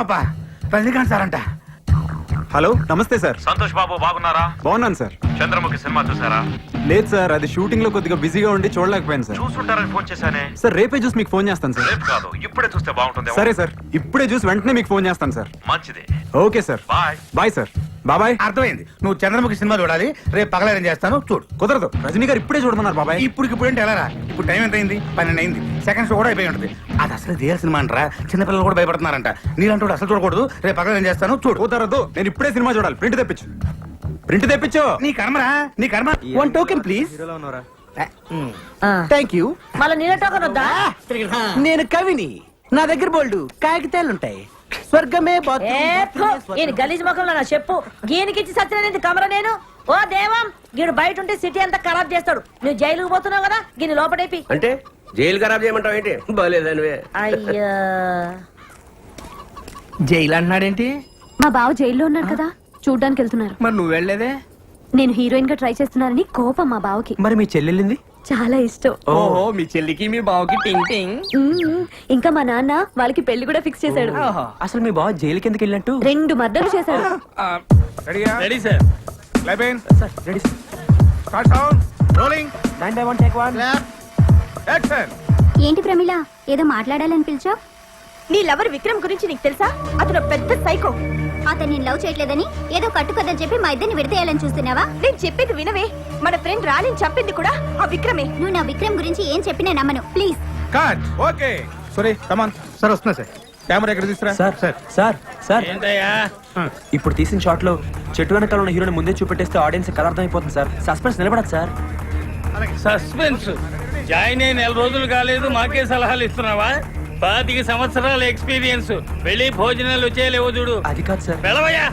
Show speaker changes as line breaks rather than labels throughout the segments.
వచ్చామప్పా. Rajinikanth sir అంట.
Hello, నమస్తే sir.
Santosh Babu బాగున్నారా?
బాగున్నాను సార్.
చంద్రముఖి సినిమా చూసారా?
లేదు సార్, అది షూటింగ్ లో కొద్దిగా బిజీగా ఉండి చూడలేకపోయాను సార్.
చూసుంటారని ఫోన్ చేశానే.
సార్ రేపే చూసి మీకు ఫోన్ చేస్తాను సార్.
రేపు కాదు, ఇప్పుడే చూస్తే బాగుంటుంది.
సరే సార్, ఇప్పుడే చూసి వెంటనే మీకు ఫోన్ చేస్తాను సార్.
మంచిది.
Okay sir,
bye.
Bye sir. బాబాయ్.
అర్థమైంది. నువ్వు చంద్రముఖి సినిమా చూడాలి. రేపు పగలేరం చేస్తాను, చూడు.
కుదరదు, రజనీ గారు ఇప్పుడే చూడమన్నారు బాబాయ్.
ఇప్పుడు ఏంటి ఎలా రా? ఇప్పుడు టైం ఎంత అయింది? 12 అయింది. సెకండ్ షో కూడా అయిపోయి ఉంటుంది. అది అసలు రియల్ సినిమా అంటారా? చిన్నపిల్లలు కూడా భయపడుతున్నారంట. నీలంటూ అసలు చూడకూడదు. రేపు పగలేరం చేస్తాను, చూడు.
కుదరదు, నేను ఇప్పుడే సినిమా చూడాలి. ప్రింట్ తెప్పించు, ప్రింట్ తెప్పించు.
నీ కర్మరా, నీ కర్మ.
1 టోకెన్ ప్లీజ్. Thank you.
మళ్ళీ నీళ్ళ టోకన్ వద్దా?
నేను కవిని. నా దగ్గర బోల్డు కాగితాలుంటాయి. స్వర్గమే
ఈయన గలీజ్ ముఖంలో నా చెప్పు గీనికిచ్చి సత్యనేది కమర నేను. ఓ దేవం, గీడు బయట ఉంటే సిటీ అంతా ఖరాబ్ చేస్తాడు. నువ్వు జైలుకు పోతున్నావు కదా, గీని లోపడేపి.
అంటే జైలు ఖరాబ్ చేయమంటావు ఏంటి? బాలేదనివే.
అయ్యా,
జైలు అంటున్నాడేంటి?
మా బావ జైల్లో ఉన్నారు కదా, చూడ్డానికి వెళ్తున్నారు.
మరి నువ్వు వెళ్ళలేదే?
నేను హీరోయిన్ గా ట్రై చేస్తున్నానని కోపం మా బావకి.
మరి మీ చెల్లెళ్ళింది?
చాలా ఇష్టం.
ఓహో, మీ చెల్లికి మీ బావకి టింగ్ టింగ్.
ఇంకా మా నాన్న వాళ్ళకి పెళ్లి కూడా ఫిక్స్ చేశాడు.
అసలు మీ బావ జైలుకి ఎందుకు వెళ్ళినట్టు?
2 మర్డర్లు చేశాడు.
Ready sir. లైబెన్
sir ready sir.
Start sound rolling.
9 by 1 take 1.
Action.
ఏంటి ప్రమిళ, ఏదో మాట్లాడాలని పిలిచావు?
నీ లవర్ విక్రమ్ గురించి నీకు తెలుసా? అతను పెద్ద సైకో.
అతను నేను లవ్ చేయట్లేదని ఏదో కట్టుకదని చెప్పి మా ఇద్దరిని విడతేయాలని చూస్తున్నావా?
నేను చెప్పేది వినవే. మన ఫ్రెండ్ రాణిని చంపింది కూడా ఆ విక్రమే.
నువ్వు నా విక్రమ్ గురించి ఏం చెప్పినా నమ్మను, ప్లీజ్.
కట్. ఓకే. సరే కమాన్. సార్ వస్తున్నా సార్. కెమెరా ఎక్కడ తీసుకురా?
సార్ సార్ సార్ సార్ ఇప్పుడు తీసిన షాట్ లో చెట్టు వెనకాల ఉన్న హీరోని ముందే చూపెట్టేస్తే ఆడియన్స్ కలర్ అర్థం అయిపోతుంది సార్. సస్పెన్స్ నిలబడదు సార్.
సస్పెన్స్ జాయిన్ అయి 4 రోజులు కాలేదు, మాకే సలహాలు ఇస్తున్నావా? 25 సంవత్సరాల ఎక్స్పీరియన్స్. వెళ్ళి భోజనాలు వచ్చేలేవో చూడు.
అది కాదు సార్.
వెళ్ళవయ్యా.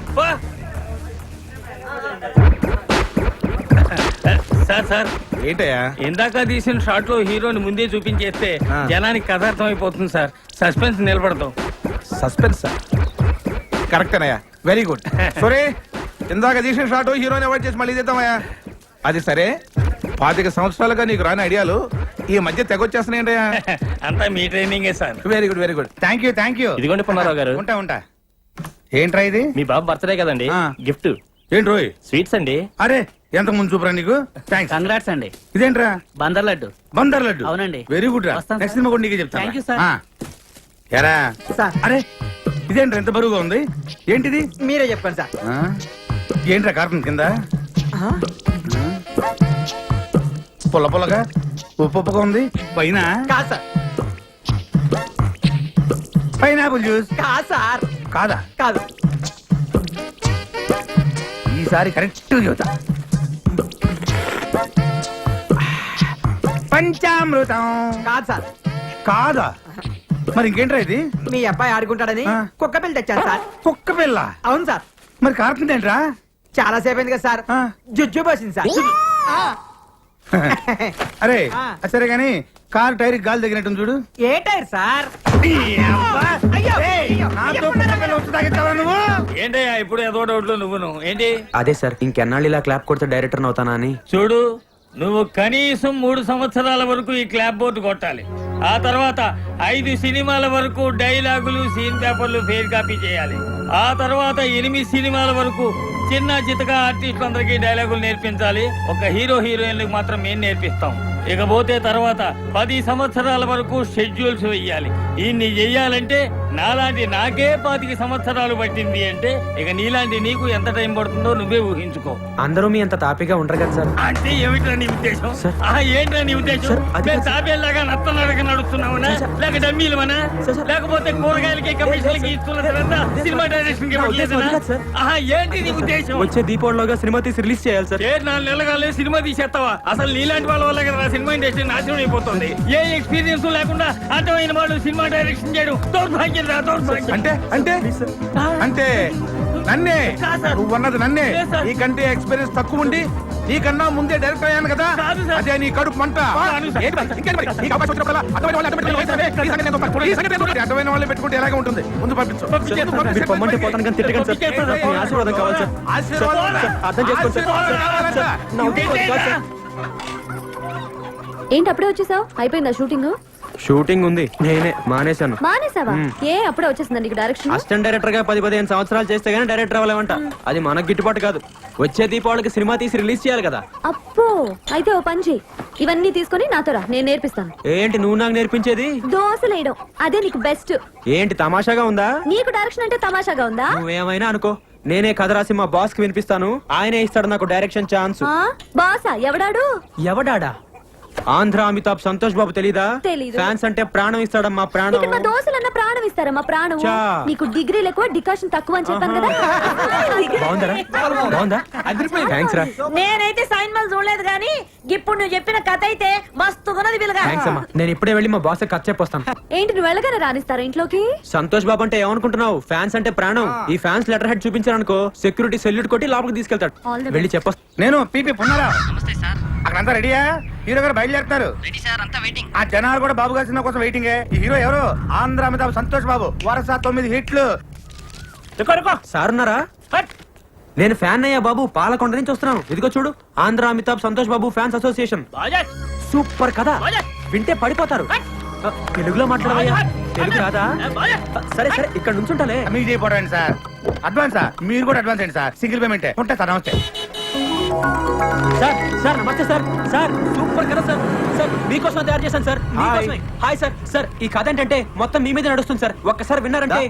సార్ సార్,
ఏంటయ్యా?
ఇందాక తీసిన షాట్ లో హీరోని ముందే చూపించేస్తే జనానికి కథ అర్థం అయిపోతుంది సార్. సస్పెన్స్ నిలబడతాం.
Suspense sir. కరెక్టేనయ్యా, వెరీ గుడ్. సరే, ఇందాక తీసిన షాట్ హీరోని అవాయిడ్ చేసి మళ్ళీ చేద్దామయ్యా. అది సరే, 25 సంవత్సరాలుగా నీకు రాని ఐడియాలు ఈ మధ్య తెగొచ్చేస్తున్నాయంటయ్యా.
అంతా మీ ట్రైనింగే sir.
Very good, very good. Thank you, thank you.
ఇదిగోండి పున్నారావు గారు.
ఉంటా ఉంటా. ఏంట్రా ఇది?
మీ బాబు బర్త్డే కదండి, గిఫ్ట్.
ఏంటి రోయ్?
స్వీట్స్ అండి.
అరే, ఎంత ముందు చూపరా నీకు. థ్యాంక్స్.
కంగ్రాట్స్ అండి.
ఇదేంట్రా?
బందర్ లడ్డు.
బందర్ లడ్డు.
అవునండి.
వెరీ గుడ్ రా.
వస్తాను
నెక్స్ట్ సినిమా కూడా నీకే చెప్తాను.
Thank you sir.
ఎరా
సార్.
అరే, ఇదేంట్రా ఎంత బరువుగా ఉంది? ఏంటిది?
మీరే చెప్పండి సార్.
ఏంట్రా కార్టూన్ కింద పుల్ల పుల్లగా ఉప్పు ఉప్పుగా ఉంది? పైన
కాదు సార్.
Pineapple juice.
కాదు సార్.
కాదా?
కాదు.
ఈసారి కరెక్ట్ చూద్దా. పంచామృతం.
కాదు సార్.
కాదా? మరి ఇంకేంట్రా ఇది?
మీ అబ్బాయి ఆడుకుంటాడని కుక్క పిల్ల తెచ్చాను సార్.
కుక్క పిల్ల?
అవును సార్.
మరి కార్టూన్ ఏంట్రా?
చాలా సేపు అయింది కదా సార్. జుజ్జు పోసింది సార్.
అరే సరే గాని కార్ టైర్ గాలి తగినట్టు చూడు.
ఏ టైర్ సార్?
ఏంటయ్యా ఇప్పుడు ఏదో డౌట్లో నువ్వును ఏంటి?
అదే సార్, ఇంకెన్నాళ్ళు ఇలా క్లాప్ కొడితే డైరెక్టర్ అవుతానా అని.
చూడు, నువ్వు కనీసం 3 సంవత్సరాల వరకు ఈ క్లాప్ బోర్డు కొట్టాలి. ఆ తర్వాత 5 సినిమాల వరకు డైలాగులు, సీన్ పేపర్లు ఫెయిర్ కాపీ చేయాలి. ఆ తర్వాత 8 సినిమాల వరకు చిన్న చితక ఆర్టిస్ట్ అందరికి డైలాగులు నేర్పించాలి. ఒక హీరో హీరోయిన్లకు మాత్రం మేము నేర్పిస్తాం. ఇకపోతే తర్వాత 10 సంవత్సరాల వరకు షెడ్యూల్స్ వెయ్యాలి. ఇన్ని చెయ్యాలంటే నాలాంటి నాకే 25 సంవత్సరాలు పట్టింది అంటే ఇక నీలాంటి నీకు ఎంత టైం పడుతుందో నువ్వే ఊహించుకో.
అందరూ మీ అంత తాపిగా ఉండరు కదా సార్.
అంటే ఏమిటా నీ ఉద్దేశం? ఏంటా నీ ఉద్దేశం? తాబేలాగా నత్తనడక నడుస్తున్నావునా, లేక డమ్మీలమనా, లేకపోతే కూరగాయలకి కమిషన్లకి ఇస్తున్న తర్వాత సినిమా డైరెక్షన్ ఏంటి నీ ఉద్దేశం?
వచ్చే దీపావళిలోగా సినిమా తీసి రిలీజ్ చేయాలి సార్.
4 నెలలుగా సినిమా తీసేస్తావా? అసలు నీలాంటి వాళ్ళ వల్ల కదా సినిమా ఇండస్ట్రీ నాశనం అయిపోతుంది. ఏ ఎక్స్పీరియన్స్ లేకుండా అర్థమైన వాళ్ళు సినిమా డైరెక్షన్ చేయడం దౌర్భాగ్యం రా, దౌర్భాగ్యం.
అంటే అంటే అంటే నన్నే నువ్వన్నది నన్నే. నీకంటే ఎక్స్పీరియన్స్ తక్కువ ఉండి నీకన్నా ముందే డైరెక్ట్ అయ్యాను కదా, అదే నీ కడుపు మంట. అడ్డమైన వాళ్ళే పెట్టుకుంటే ఎలాగే ఉంటుంది. ముందు పంపించు.
ఆశీర్వాదం కావాలి సార్. అర్థం చేసుకోండి సార్.
ఏంటి అప్పుడే వచ్చేసావు? అయిపోయిందా షూటింగ్?
షూటింగ్ ఉంది నేనే మానేశాను
మానేసావా ఏ అప్పుడే వచ్చేసిందండి నీకు డైరెక్షన్
అసిస్టెంట్ డైరెక్టర్ గా 10-15 సంవత్సరాలు చేస్తే గానీ డైరెక్టర్ అవ్వలేమంట అది మనకు గిట్టుబాటు కాదు. వచ్చే దీపావళికి సినిమా తీసి రిలీజ్ చేయాలి కదా.
అప్పో అయితే ఓ పని చెయ్యి, ఇవన్నీ తీసుకొని నాతో రా, నేను నేర్పిస్తాను.
ఏంటి నువ్వు నాకు నేర్పించేది?
దోశలు వేయడం అదే నీకు బెస్ట్.
ఏంటి తమాషాగా ఉందా?
నీకు డైరెక్షన్ అంటే తమాషాగా ఉందా?
నువ్వేమైనా అనుకో, నేనే కథ రాసి మా బాస్ కి వినిపిస్తాను. ఆయనే ఇస్తాడు నాకు డైరెక్షన్ ఛాన్స్.
బాసా ఎవడాడు?
ఎవడాడా? ఆంధ్ర అమితాబ్ సంతోష్ బాబు తెలీదా?
తెలీదు.
ఫ్యాన్స్ అంటే ప్రాణం ఇస్తాడమ్మా ప్రాణం.
ఇక్కడ మా దోశలన్న ప్రాణం ఇస్తారమ్మా ప్రాణం.
చా.
నీకు డిగ్రీలు ఎక్కువ డికాషన్ తక్కువ అని చెప్పాను కదా.
బాగుందరా? బాగుందా? థ్యాంక్స్ రా.
నేనైతే సైన్ మల్ చూడలేదు గానీ ఇప్పుడు నువ్వు చెప్పిన కథ అయితే మస్తున్నది పిల్లగా.
థ్యాంక్స్ అమ్మా. నేను ఇప్పుడే వెళ్ళి మా బాస్ కథ చెప్పొస్తాను.
ఏంటి నువ్వు వెళ్ళగానే రానిస్తారా ఇంట్లోకి?
సంతోష్ బాబు అంటే ఏమనుకుంటున్నావు? ఫ్యాన్స్ అంటే ప్రాణం. ఈ ఫ్యాన్స్ లెటర్ హెడ్ చూపించారనుకో సెక్యూరిటీ సెల్యూట్ కొట్టి లోపలికి తీసుకెళ్తాడు.
All the
వెళ్ళి చెప్పొస్తా.
నేను పీపీ పున్నారా. అక్కడంతా రెడీయా? హీరో గారు బయలుదేరుతారు. ఆ జనాలు కూడా బాబు గారి సినిమా కోసం వెయిటింగ్. ఈ హీరో ఎవరు? ఆంధ్ర అమితాబ్ సంతోష్ బాబు. వరుస 9 హిట్లు.
సార్ ఉన్నారా? నేను ఫ్యాన్ అయ్యా బాబు, పాలకొండ నుంచి వస్తున్నాను. ఇదిగో చూడు, Andhra Amitabh Santosh Babu fans association. Super కదా, వింటే పడిపోతారు. తెలుగులో మాట్లాడవయ్యా. తెలుగు రాదా? సరే సరే, ఇక్కడ నుంచుంటాలే.
మీకు చేయబోరండి సార్. అడ్వాన్సా? మీరు కూడా అడ్వాన్స్ అండి సార్. సింగిల్ పేమెంట్ ఉంటా సార్. నమస్తే
సార్. సార్ నమస్తే సార్. సార్ సూపర్ కదా సార్. సార్ మీకోసం తయారు చేశాను సార్. మీకోసమే. Hi sir. సార్ ఈ కథ ఏంటంటే మొత్తం మీ మీద నడుస్తుంది సార్. ఒక్కసారి విన్నారంటే.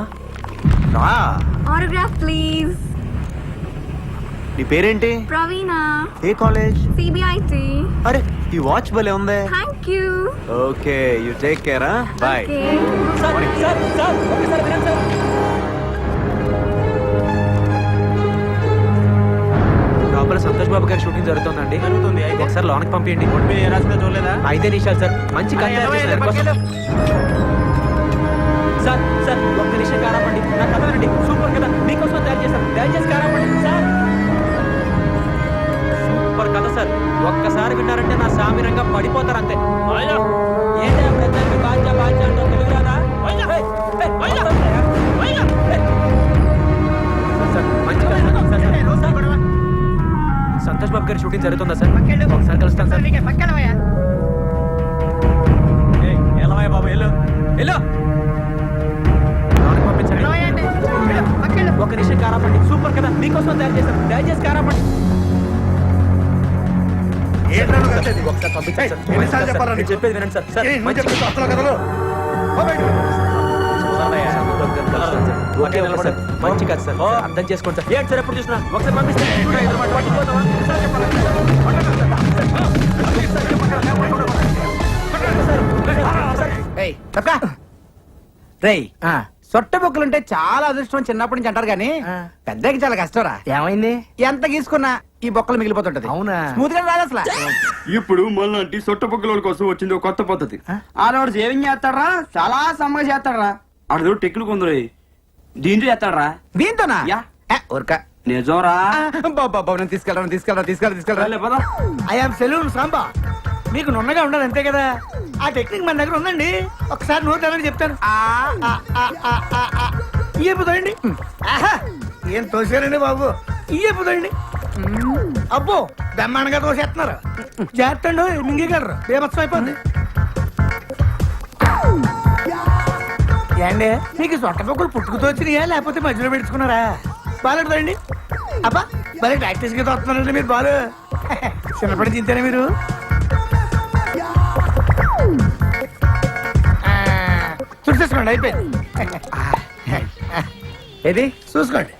Autograph please.
నీ పేరేంటి?
ప్రవీణ.
ఏ కాలేజ్?
సిబిఐటి.
అరే ఈ వాచ్ భలే ఉంది.
Thank you.
Okay you take care. Bye.
Sir sir sir ఒక్కసారి వినండి సార్. లోపల సంతోష్ బాబు గారి షూటింగ్ జరుగుతుందండి. ఒకసారి లోనకి పంపించండి. చూడలేదా? 5 నిమిషాలు సార్. మంచి కథ తయారు చేసిన దానికోసం. సార్ సార్ ఒక్క నిమిషం కారాపండి. నా కథ వినండి. సూపర్ కదా, మీకోసం తయారు చేశాను. దయచేసి కారాపండి సార్. సూపర్ కథ సార్. ఒక్కసారి విన్నారంటే నా సామిరంగా పడిపోతారు అంతే. ఏంటా ప్రజలకు బాధ్య బాధ్య అంటూ తెలుగు రాదా? సార్, మంచి కథ. సార్, సంతోష్ బాబు గారి షూటింగ్ జరుగుతుందా సార్? ఒకసారి కలుస్తాను సార్. ఎలా బాబు వెళ్ళు వెళ్ళు. పంపించండి. ఒక నిమిషం కారాపండి. సూపర్ కదా, మీకోసం తయారు చేశాను. దయచేసి కారాపండి. ఒకసారి పంపించండి సార్.
ఎన్నిసార్లు చెప్పాలా నీకు?
చెప్పేది వినండి సార్. సార్
నువ్వు
మంచి
చెప్పే అసలు కథలు. ఓ బయటికి.
Okay sir. మంచి కథ సార్. అర్థం చేసుకోండి సార్. ఏంటి సార్ ఎప్పుడు చూసినా ఒకసారి పంపిస్తే
రేయ్ సొట్ట బొక్కులుంటే చాలా అదృష్టం చిన్నప్పటి నుంచి అంటారు కానీ పెద్దకి చాలా కష్టంరా.
ఏమైంది?
ఎంత గీసుకున్నా ఈ బొక్కలు మిగిలిపోతుంటది. అవునా? స్మూత్ గా రాదు అసలు.
ఇప్పుడు మళ్ళీ సొట్ట పొక్కుల కోసం వచ్చింది ఒక కొత్త పద్ధతి.
ఆడవాడు సేవింగ్ చేస్తాడరా, చాలా సమ్మగా చేస్తాడరా.
ఆడదో టెక్నిక్ ఉందిరే.
దీంట్లో చేస్తాడరా.
దీంతోనా?
యా.
ఊరక
నిజంరా.
బాబు తీసుకెళ్ళరా. I'm salon Samba. మీకు నున్నగా ఉండాలి అంతే కదా. ఆ టెక్నిక్ మన దగ్గర ఉందండి. ఒకసారి నోట్ అలాగే చెప్తాను. ఇయ్యపోతాయండి. ఏం తోసారండి బాబు. ఇయ్యపోతాయండి. అబ్బో బ్రహ్మాండంగా తోసేస్తున్నారు. చేస్తండు మింగగలరు. బేమత్సం అయిపోద్ది. ఏండి మీకు సొట్ట పొక్కులు పుట్టుకుతో వచ్చినాయా లేకపోతే మధ్యలో పెట్టుకున్నారా? బాగుంటుందండి. అబ్బా భలే ప్రాక్టీస్ గా తోస్తున్నారండి మీరు. బాలు చిన్నప్పటి చింతేనా మీరు? చూసేసుకోండి అయిపోయింది. ఏది చూసుకోండి.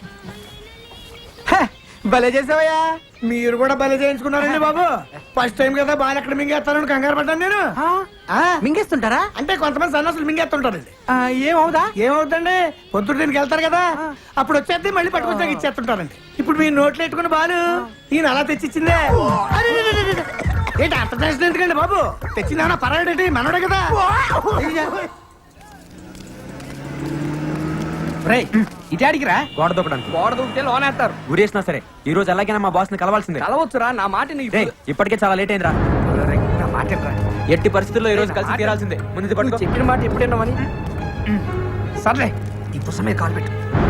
భలే చేసావయ్యా. మీరు కూడా భలే చేయించుకున్నారండి బాబు. ఫస్ట్ టైం కదా బాగా ఎక్కడ మింగేస్తానని కంగారు పడ్డాను నేను. మింగేస్తుంటారా? అంటే కొంతమంది సన్నాసులు మింగేస్తుంటారండి. ఏమవుతండి, పొద్దుట దీనికి వెళ్తారు కదా, అప్పుడు వచ్చేది మళ్ళీ పట్టుకొచ్చాక ఇచ్చేస్తుంటారండి. ఇప్పుడు మీరు నోట్లు ఎట్టుకుని బాలు ఈయన అలా తెచ్చిచ్చిందే. ఏంటి అంత టెన్షన్ ఎందుకండి బాబు? తెచ్చిందేమన్నా పర్వాలేంటి, మనోడే కదా. ఇటాడికిరా
గోడ దూకడానికి.
గోడ దూకితే లోనేస్తారు.
గురేసినా సరే ఈ రోజు ఎలాగైనా మా బాస్ ని కలవాల్సిందే.
కలవచ్చురా, నా మాట నీకు.
రేయ్, ఇప్పటికే చాలా లేట్ అయిందిరా.
నా మాట
ఎట్టి పరిస్థితుల్లో ఈ రోజు కలిసి తీరాల్సిందే. ముందు పట్టుకో.
చెప్పిన మాట ఎప్పుడైనామని.
సర్లే ఈ పుస్తకం మీద కాలు పెట్టు.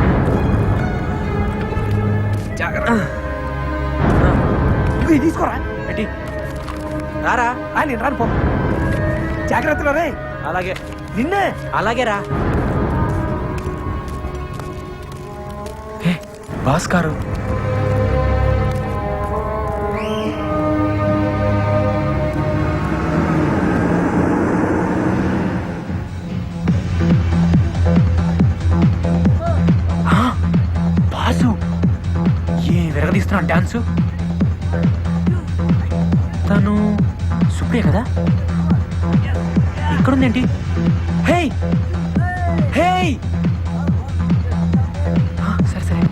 ఇది తీసుకోరా.
ఎట్టి రారా.
నేను రాను పో. జాగ్రత్తలో రే.
అలాగే నిన్నే అలాగే రా భాస్కారు బాసు ఏ విరగదీస్తున్నాడు డాన్సు తను సుప్రియ కదా ఇక్కడుందేంటి హే హే సరే సరే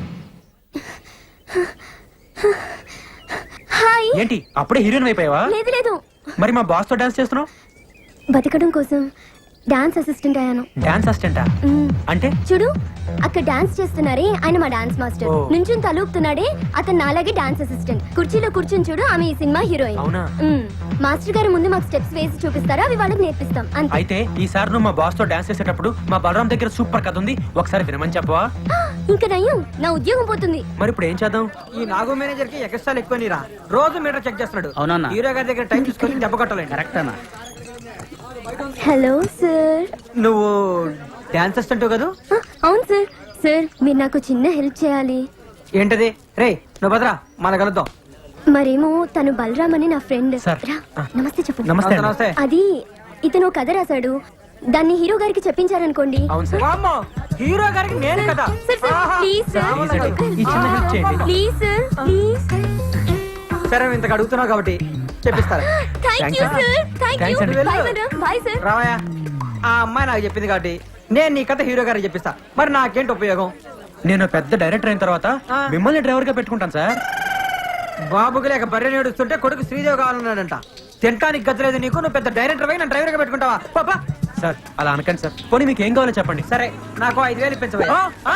హాయ్.
ఏంటి అప్పుడే హీరోయిన్ అయిపోయావా
లేదు లేదు,
మరి మా బాస్ తో డాన్స్ చేస్తున్నావు
బతకడం కోసం డాన్స్ అసిస్టెంట్ అయ్యాను.
డాన్స్ అసిస్టెంటా
మ్మ్.
అంటే
చూడు అక్కడ డాన్స్ చేస్తున్నారే ఆయన మా డాన్స్ మాస్టర్.
ఓ.
నుంచుని తలూపుతున్నాడే అతను నాలాగే డాన్స్ అసిస్టెంట్. కుర్చీలో కూర్చుని చూడు ఆమె ఈ సినిమా హీరోయిన్.
అవునా?
మ్మ్. మాస్టర్ గారు ముందు మాకు స్టెప్స్ వేసి చూపిస్తారా, అవి వాళ్ళకి నేర్పిస్తాం అంతే.
అయితే ఈసారి నువ్వు మా బాస్ తో డాన్స్ చేసేటప్పుడు మా బలరాం దగ్గర సూపర్ కథ ఉంది, ఒకసారి వినమని చెప్పవా?
ఇంకా నయ్యం, నా ఉద్యోగం పోతుంది.
మరి ఇప్పుడు ఏం చేద్దాం?
ఈ నాగు మేనేజర్ కి ఎక్స్ట్రా ఎక్కువ నీరా రోజు మీటర్ చెక్ చేస్తున్నాడు. అవునన్నా హీరో గారి దగ్గర టైం తీసుకొని దెబ్బ కొట్టలేదు. కరెక్ట్ అన్న.
Hello sir.
నువ్వు డాన్స్ అసిస్టెంట్ కదా?
అవును సార్. సార్ మీరు నాకు చిన్న హెల్ప్ చేయాలి.
ఏంటది? రే నువ్వు భద్రా మన కలుద్దాం.
మరేమో తను బలరామ్ అని నా ఫ్రెండ్.
సార్.
రా, నమస్తే చెప్పు.
నమస్తే అండి.
నమస్తే.
అది ఇతను ఓ కథ రాశాడు, దాన్ని హీరో గారికి చెప్పించారనుకోండి.
అవును సార్.
వామ్మో, హీరో గారికి నేను కదా.
Sir sir please sir,
please అండి, ఈ చిన్న హెల్ప్ చేయండి.
Please sir please.
సరే ఇంతకు అడుగుతున్నావు కాబట్టి చెప్పిస్తారా?
Thank you sir, thank you.
Thanks అండి.
Bye madam, bye sir.
రావయ్యా, ఆ అమ్మాయి నాకు చెప్పింది కాబట్టి నేను నీ కథ హీరో గారికి చెప్పిస్తా. మరి నాకేంటి ఉపయోగం?
నేను పెద్ద డైరెక్టర్ అయిన తర్వాత
ఆ.
మిమ్మల్ని డ్రైవర్ గా పెట్టుకుంటాను సార్.
బాబుకి లేక బర్రె నేడుస్తుంటే కొడుకు శ్రీదేవి కావాలన్నాడంట. తింటానికి గద్దలేదు నీకు, నువ్వు పెద్ద డైరెక్టర్ పోయి నన్ను డ్రైవర్ గా పెట్టుకుంటావా? పాపా.
సార్ అలా అనకండి సార్. పోనీ మీకు ఏం కావాలో చెప్పండి.
సరే నాకు 5,000 ఇప్పించవయ్యా.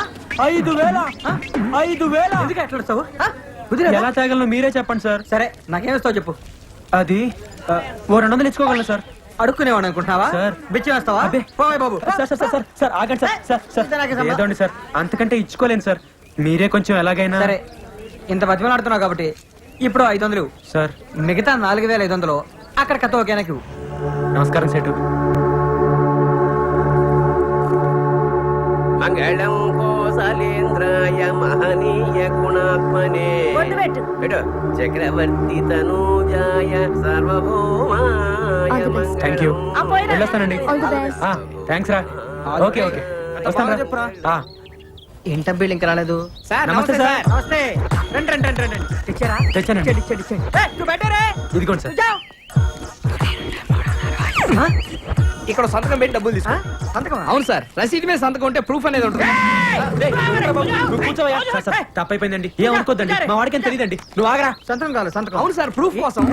5,000
ఎందుకు ఎట్లా వస్తావు?
ఎలా తాగలను మీరే చెప్పండి సార్.
సరే నాకేమిస్తావు చెప్పు.
అది ఓ 200 ఇచ్చుకోగలను సార్.
అడుక్కునేవాడు అనుకుంటున్నావా?
సార్.
బిచ్చి వేస్తావా?
అబ్బే.
పోయ్ బాబు.
సార్ సార్ సార్ సార్ ఆగండి సార్. సార్ సార్
ఇంత నాకే సంబంధం.
ఏదోండి సార్, అంతకంటే ఇచ్చుకోలేను సార్. మీరే కొంచెం ఎలాగైనా.
సరే ఇంత బతిమలాడుతున్నావు కాబట్టి ఇప్పుడు 500 ఇవ్వు.
సార్
మిగతా 4,500 అక్కడ కథ ఓకేనా?
నమస్కారం సేటు.
మంగళం కోసలేంద్రాయ మహనీయ గుణాత్మనే
బొట్టు పెట్టు.
చక్రవర్తి తనూజాయ సార్వభౌమాయ
All the best.
Thank you.
ఆ, పోయిరా.
వెళ్ళొస్తానండి.
All the best.
థ్యాంక్స్ రా. ఓకే ఓకే వస్తాను రా.
ఏంట బిల్ ఇంకా రాలేదు.
నమస్తే సార్.
నమస్తే. రండి రండి రండి రండి. తెచ్చారా?
తెచ్చానండి.
ఇచ్చేయండి, ఇచ్చేయండి. ఏయ్, నువ్వు బయటరే.
ఇదిగోండి సార్.
జావ్.
ఇక్కడ సంతకం పెట్టి డబ్బులు తీసుకో.
సంతకం.
అవును సార్, రసీదు మీద సంతకం ఉంటే ప్రూఫ్ అనేది ఉంటుంది.
నువ్వు కూర్చోవయ్యా. సార్ సార్ తప్పైపోయిందండి, ఏం అనుకోద్దండి, మా వాడికి తెలియదండి. నువ్వు ఆగరా.
సంతకం కావాలి, సంతకం.
అవును సార్, ప్రూఫ్ కోసం.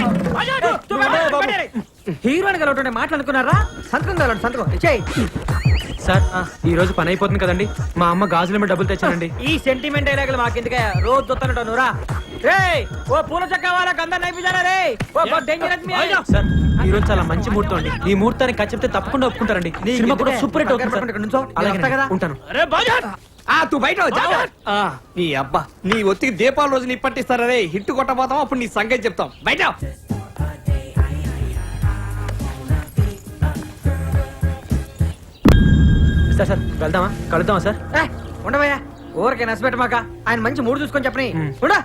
హీరోయిన్ కలవటం మాట్లాడుకున్నారా? సంతకం కావాలి, సంతకం. ఇచ్చేయ్.
సార్ ఈ రోజు పని అయిపోతుంది కదండి, మా అమ్మ గాజుల మీద డబ్బులు తెచ్చానండి.
ఈ సెంటిమెంట్ డైలాగులు మాకెందుకే? రోజు దొత్తనట్టు నువ్వురా. రేయ్ ఓ పూల చక్క వాళ్ళకి అందరు నైపుజారా రే. ఓ డేంజరస్ మీ.
సార్ ఈ రోజు చాలా మంచి ముహూర్తం అండి, ఈ ముహూర్తానికి ఖర్చు చెప్తే తప్పకుండా ఒప్పుకుంటారండి. సినిమా కూడా సూపర్ హిట్ అవుతుంది సార్. అలాగే ఉంటాను.
తూ బయట నీ అబ్బా, నీ ఒత్తికి దీపావళి రోజు నీ పట్టిస్తారా రే. హిట్ కొట్టబోతాం, అప్పుడు నీ సంగతి చెప్తాం. బయట
సార్ సార్ వెళ్దామా, కలుద్దామా సార్?
ఉండవయ్యా, ఊరికే నచ్చబెట్టమాక. ఆయన మంచి మూడు చూసుకొని చెప్పని. ఉండా.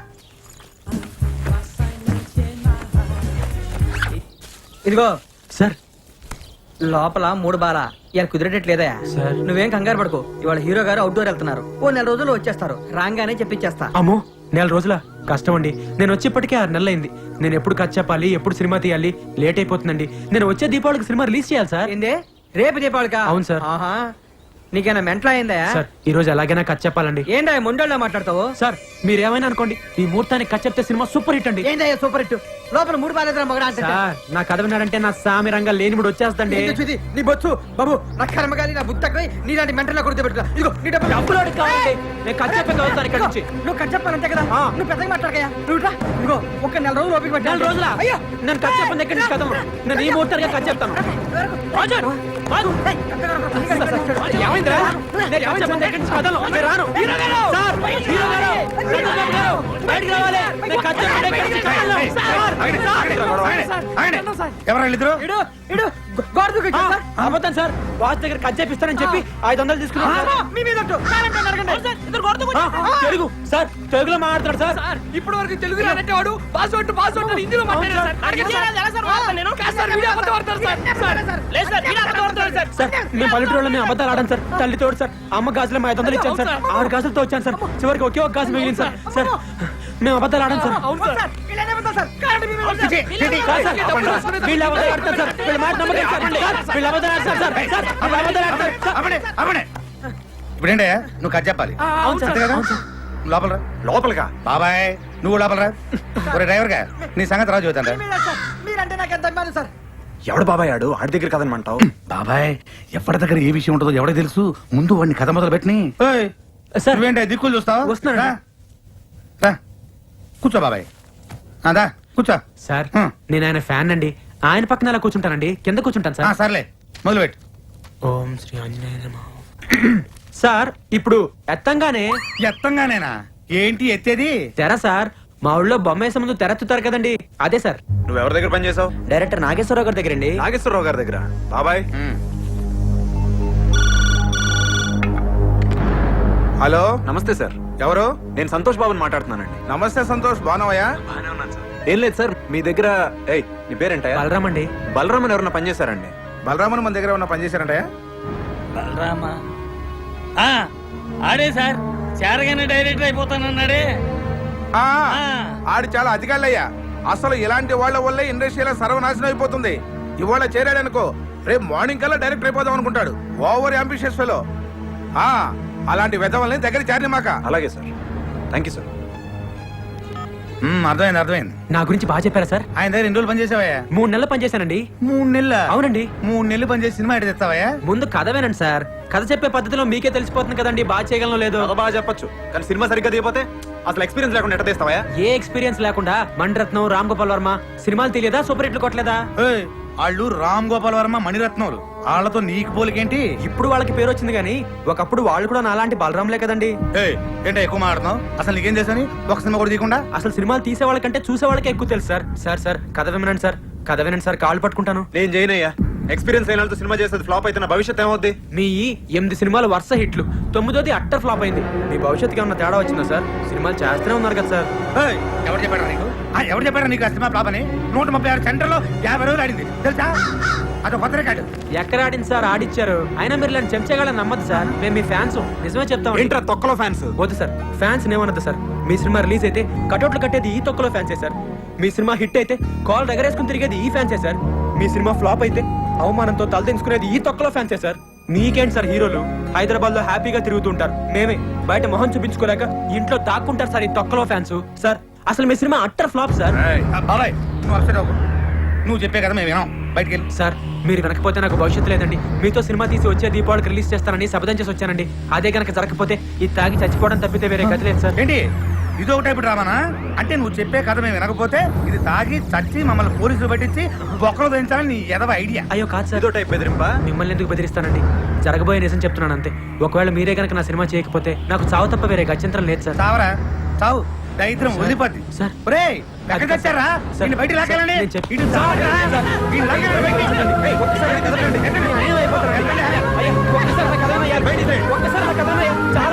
ఇదిగో
సార్
లోపల 3 బాల ఇలా కుదిరేటట్లేదా?
సార్.
నువ్వేం కంగారు పడుకో. ఇవాళ హీరో గారు అవుట్డోర్ వెళ్తున్నారు, ఓ 4 రోజుల్లో వచ్చేస్తారు. రాగానే చెప్పించేస్తా.
అమ్మో 4 రోజుల కష్టం అండి. నేను వచ్చేప్పటికే 6 నెలలు అయింది. నేను ఎప్పుడు కథ చెప్పాలి, ఎప్పుడు సినిమా తీయాలి, లేట్ అయిపోతుందండి. నేను వచ్చే దీపావళికి సినిమా రిలీజ్ చేయాలి సార్.
ఏందే రేపు దీపావళికా?
అవును సార్.
ఆహా, నీకేనా మెంటల్ అయిందా?
సార్ ఈ రోజు ఎలాగైనా కథ చెప్పాలండి.
ఏందా మొండోళ్ళ మాట్లాడతావు?
సార్ మీరేమైనా అనుకోండి, ఈ ముహూర్తానికి కథ చెప్తే సినిమా సూపర్ హిట్ అండి.
ఏందయ్యా సూపర్ హిట్? లోపల 3 బాలేదురా మగడా అంటే.
సార్ నా కథ విన్నారంటే నా సామి రంగా లేనిముడు వచ్చేస్తండి.
నీ బొచ్చు బాబు, నా కర్మగాలి, నా బుద్ధి తక్కువై నీలాంటి మెంటల్ కొడుతూ పెట్టుకో. ఇదిగో నీ డబ్బులు.
డబ్బులోడి కావాలండి, నేను కథ చెప్పి వస్తాను ఇక్కడ నుంచి.
నువ్వు కట్ చెప్పాలంతే కదా. నువ్వు పెద్దగా మాట్లాడకయ్యా. నువ్వు ఇట్లా. ఇదిగో ఒక 4 రోజులు ఓపిక పట్టు.
4 రోజుల
అయ్యో
నేను కథ చెప్పండి ఎక్కడి నుంచి కథ. నేను ఈ ముహూర్తానికి కథ చెప్తాను. ఏమైందిరా? నేను కథ చెప్పండి ఎక్కడి నుంచి కథలు. నేను రాను. సార్, హీరో గారు, చంద్రబాబు గారు, బయటికి రావాలి. నేను కథ చెప్పండి ఎక్కడి నుంచి కథలు. సార్
ఎవరు వాళ్ళిద్దరు?
ఇడు ఇడు గోడ దూకి
ఆ, అబద్ధం సార్ బాస్ దగ్గర కట్ చేపిస్తానని చెప్పి 500 తీసుకున్నాను సార్.
మీ మీద ఒట్టు. కావాలంటే నరకండి.
తెలుగు సార్, తెలుగులో మాట్లాడతాడు సార్.
ఇప్పుడు వరకు తెలుగు రానంటే వాడు పాస్వర్డ్ పాస్వర్డ్ హిందీలో మాట్లాడారు సార్. అడగండి సార్. ఎలా సార్ వాడతాను నేను? కాదు సార్, వీడియో అబద్ధం ఆడతారు సార్. లేదు సార్, వీడియో అబద్ధం ఆడతారు సార్.
సార్ మేము పల్లెటూరులో మేము అబద్ధాలు ఆడాను సార్. తల్లి తోడు సార్, అమ్మ గాజులు 500 ఇచ్చాను సార్. 6 గాజులతో వచ్చాను సార్. చివరికి ఒకే ఒక గాజు మిగిలింది సార్. సార్ మేము అబద్ధాలు ఆడాను సార్.
అవును సార్. వీళ్ళనే అబద్ధం సార్. కావాలంటే మీ మీద ఒట్టు.
కాదు సార్, వీళ్ళు అబద్ధాలు ఆడతారు సార్. వీళ్ళ మాట నమ్మకం సార్. వీళ్ళు అబద్ధాలు ఆడతారు సార్. సార్ వీళ్ళు అబద్ధాలు ఆడతారు సార్.
ఇప్పుడేంటే నువ్వు కథ చెప్పాలి.
అవును సార్,
అంతే కదా?
అవును సార్.
లోపల రా.
లోపలిగా
బాబాయ్ నువ్వు లోపల రా. ఒరే డ్రైవర్ గా నీ సంగతి రాజు చూద్దాం.
మీ మీద సార్. మీరంటే నాకు ఎంత అభిమానం సార్.
ఎవడు బాబాయ్ ఆడు ఆడి దగ్గర కదనమంటావు?
బాబాయ్ ఎవరి దగ్గర ఏ విషయం ఉంటుందో ఎవరికి తెలుసు. ముందు వాడిని కథ మొదలు పెట్టిని.
సార్.
నువ్వేంటే దిక్కులు చూస్తావు?
వస్తున్నాను.
రా. రా. కూర్చో బాబాయ్. అదా కూర్చో.
సార్
హ్మ్.
నేను ఆయన ఫ్యాన్ అండి. ఆయన పక్కన అలా కూర్చుంటానండి, కింద కూర్చుంటాను సార్.
సర్లే మొదలు పెట్టు.
ఓం శ్రీ ఆంజనేయ నమః. సార్ ఇప్పుడు ఎత్తంగానే
ఎత్తంగానేనా? ఏంటి ఎత్తేది?
తెర సార్. మా ఊళ్ళో బొమ్మ వేసే ముందు తెరెత్తుతారు కదండి, అదే సార్.
నువ్వు ఎవరి దగ్గర పని చేసావు?
డైరెక్టర్ నాగేశ్వరరావు గారి దగ్గర అండి.
నాగేశ్వరరావు గారి దగ్గర. బాబాయ్
హలో
నమస్తే సార్.
ఎవరు?
నేను సంతోష్ బాబుని మాట్లాడుతున్నానండి.
నమస్తే సంతోష్, బాగున్నావయ్యా?
బాగానే ఉన్నాను సార్. ఏం లేదు సార్, మీ దగ్గర నీ పేరేంటయ్యా?
బలరామ్ అండి.
బలరామన్ ఎవరన్నా పని చేశారండి?
బలరామన్ మన దగ్గర ఉన్న పని చేశారంటయ్యా?
బలరామా? ఆ, ఆడే సార్, చేరగానే డైరెక్టర్ అయిపోతానన్నాడే.
ఆ, ఆడు చాలా అధికారులయ్యా. అసలు ఇలాంటి వాళ్ళ వల్లే ఇండస్ట్రీలో సర్వనాశనం అయిపోతుంది. ఇవాళ చేరాడనుకో రేపు మార్నింగ్ కల్లా డైరెక్టర్ అయిపోదాం అనుకుంటాడు. Over ambitious fellow. అలాంటి వెధవల్ని దగ్గర చేరని మాక.
అలాగే సార్, థ్యాంక్ యూ సార్.
అర్థమైంది అర్థమైంది.
నా గురించి బాగా చెప్పారా సార్?
ఆయన దగ్గర 2 రోజులు పని చేసావయ్యా?
3 నెలలు పనిచేశానండి.
3 నెలల?
అవునండి.
3 నెలలు పని చేసి సినిమా ఎటు తెస్తావయ్యా?
ముందు కథ వినండి సార్. కథ చెప్పే పద్ధతిలో మీకే తెలిసిపోతుంది కదండి బాగా చేయగలను లేదో.
చాలా బాగా చెప్పొచ్చు, కానీ సినిమా సరిగ్గా దిగిపోతే అసలు ఎక్స్పీరియన్స్ లేకుండా ఎట్ట తీస్తావా?
ఏ ఎక్స్పీరియన్స్ లేకుండా మణిరత్నం, రామ్ గోపాల్ వర్మ సినిమాలు తెలియదా? సూపర్ హిట్లు కొట్టలేదా?
ఏయ్, వాళ్ళు రామ్ గోపాల్ వర్మ, మణిరత్నములు. వాళ్ళతో నీకు పోలికేంటి?
ఇప్పుడు వాళ్ళకి పేరు వచ్చింది కానీ ఒకప్పుడు వాళ్ళు కూడా నాలాంటి బలరాంలే కదండి.
ఏంటో ఎక్కువ మాట్లాడుతున్నావు? అసలు నీకేం చేశాని ఒక సినిమా కూడా తీయకుండా?
అసలు సినిమాలు తీసే వాళ్ళకంటే చూసే వాళ్ళకే ఎక్కువ తెలుసు సార్. సార్ సార్ కథ వినండి సార్, కథ వినండి సార్, కాళ్ళు పట్టుకుంటాను.
నేను చేయనయ్యా. ఎక్స్పీరియన్స్ అయిన వాళ్ళతో సినిమా చేసేది ఫ్లాప్ అయితే నా భవిష్యత్ ఏమవుద్ది?
మీ 8 సినిమాలు వరుస హిట్లు, 9ది అట్టర్ ఫ్లాప్ అయింది. మీ భవిష్యత్తుకి ఏమన్నా తేడా వచ్చిందా సార్? సినిమాలు చేస్తూనే ఉన్నారు కదా సార్.
ఎవరు చెప్పారా నీకు? ఎవరు చెప్పారా నీకు ఆ సినిమా ఫ్లాప్ అని? 136 సెంటర్లో 50 రోజులు ఆడింది తెలుసా? అది కొత్త రికార్డు.
ఎక్కడ ఆడింది సార్? ఆడిచ్చారు. అయినా మీరు ఇలాంటి చెంచగాళ్ళని నమ్మద్దు సార్. మేము మీ ఫ్యాన్స్, నిజమే చెప్తాం.
ఏంట్రా తొక్కలో ఫ్యాన్స్?
వద్దు సార్, ఫ్యాన్స్ ఏమన్నది సార్. మీ సినిమా రిలీజ్ అయితే కటౌట్లు కట్టేది ఈ తొక్కలో ఫ్యాన్సే సార్. మీ సినిమా హిట్ అయితే కాల్ ఎగరేసుకుని తిరిగేది ఈ ఫ్యాన్సే సార్. మీ సినిమా ఫ్లాప్ అయితే అవమానంతో తలదించుకునేది ఈ తొక్కలో ఫ్యాన్సే సార్. మీకేంటి సార్ హీరోలు హైదరాబాద్ లో హ్యాపీగా తిరుగుతుంటారు, మేమే బయట మొహం చూపించుకోలేక ఇంట్లో దాక్కుంటారు సార్ ఈ తొక్కలో ఫ్యాన్స్. సార్ అసలు మీ సినిమా అట్టర్ ఫ్లాప్ సార్.
బాబాయ్ నువ్వు అప్సెట్ అవ్వకు. నువ్వు చెప్పే కదా మేము వినాం. బయటికి వెళ్ళి.
సార్ మీరు వెనకపోతే నాకు భవిష్యత్తు లేదండి. మీతో సినిమా తీసి వచ్చే దీపావళికి రిలీజ్ చేస్తానని శపథం చేసి వచ్చానండి. అదే కనుక జరగకపోతే ఇది తాగి చచ్చిపోవడం తప్పితే వేరే గతి లేదు సార్.
ఏంటి ఇది ఒక టైపు డ్రామానా? అంటే నువ్వు చెప్పే కథ మేము వినకపోతే ఇది తాగి చచ్చి మమ్మల్ని పోలీసులు పట్టించి బొక్కలు దించాలని నీ ఎదవ ఐడియా.
అయ్యో కాదు సార్,
ఏదో టైప్ బెదిరింపా?
మిమ్మల్ని ఎందుకు బెదిరిస్తానండి? జరగబోయే నిజం చెప్తున్నాను అంతే. ఒకవేళ మీరే కనుక నా సినిమా చేయకపోతే నాకు చావు తప్ప వేరే గత్యంతరం లేదు సార్.
చావరా చావు, దరిద్రం వదిలిపోద్ది.
సార్.
ఒరేయ్, ఎక్కడికి వచ్చారా?
సార్.
నిన్ను బయటికి లాగాలండి.
నేను చెప్పి-
ఇటు చావరా? వీళ్ళు లాగాలి బయటికి. ఏయ్, ఒక్కసారి కదలండి.
ఒక్కసారి నా కథ వినండి. అయ్యా, ఒక్కసారి నా కథ వినండి. బయటికి రండి. ఒక్కసారి నా కథ వినండి.